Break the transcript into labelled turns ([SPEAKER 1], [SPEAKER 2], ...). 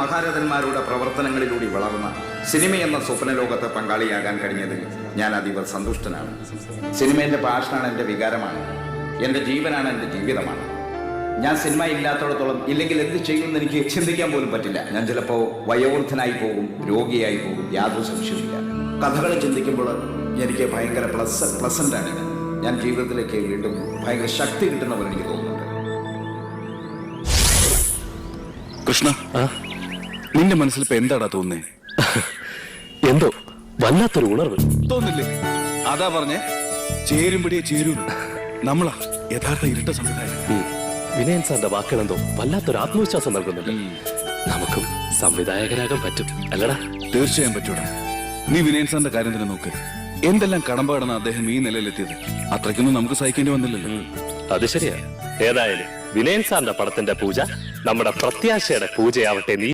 [SPEAKER 1] മഹാരഥന്മാരുടെ പ്രവർത്തനങ്ങളിലൂടെ വളർന്ന സിനിമയെന്ന സ്വപ്നലോകത്തെ പങ്കാളിയാകാൻ കഴിഞ്ഞതിൽ ഞാൻ അതീവ സന്തുഷ്ടനാണ്. സിനിമ എൻ്റെ പാഷനാണ്, എൻ്റെ വികാരമാണ്, എൻ്റെ ജീവനാണ്, എൻ്റെ ജീവിതമാണ്. ഞാൻ സിനിമ ഇല്ലാത്തടത്തോളം ഇല്ലെങ്കിൽ എന്ത് ചെയ്യുമെന്ന് എനിക്ക് ചിന്തിക്കാൻ പോലും പറ്റില്ല. ഞാൻ ചിലപ്പോൾ വയോവൃദ്ധനായി പോകും, രോഗിയായി പോകും, യാതൊരു സംശയമില്ല. കഥകൾ ചിന്തിക്കുമ്പോൾ എനിക്ക് ഭയങ്കര പ്ലസൻ്റാണ്. ഞാൻ ജീവിതത്തിലേക്ക് വീണ്ടും ഭയങ്കര ശക്തി കിട്ടുന്ന പോലെ എനിക്ക് തോന്നുന്നുണ്ട്.
[SPEAKER 2] കൃഷ്ണ, നിന്റെ മനസ്സിൽ ഇപ്പൊ എന്താടാ തോന്നുന്നേ?
[SPEAKER 3] എന്തോ വല്ലാത്തൊരു ഉണർവ്
[SPEAKER 2] തോന്നില്ലേ? അതാ പറഞ്ഞേ, ചേരുംപടിയെ ചേരൂ. നമ്മളാ യഥാർത്ഥ ഇരട്ട സംവിധായകൻ.
[SPEAKER 3] വിനയൻ സാറിന്റെ വാക്കുകളെന്തോ വല്ലാത്തൊരു ആത്മവിശ്വാസം നൽകുന്നുണ്ട്. നമുക്കും സംവിധായകരാകാൻ പറ്റും അല്ലടാ?
[SPEAKER 2] തീർച്ചയായും പറ്റൂടാ. നീ വിനയൻ സാറിന്റെ കാര്യം തന്നെ നോക്ക്. എന്തെല്ലാം കടമ്പാടാണ് അദ്ദേഹം ഈ നിലയിലെത്തിയത്. അത്രയ്ക്കൊന്നും നമുക്ക് സഹിക്കേണ്ടി വന്നില്ലല്ലോ.
[SPEAKER 3] അത് ശരിയാ. ഏതായാലും വിനയൻ സാറിന്റെ പടത്തിന്റെ പൂജ നമ്മുടെ പ്രത്യാശയുടെ പൂജയാവട്ടെ. നീ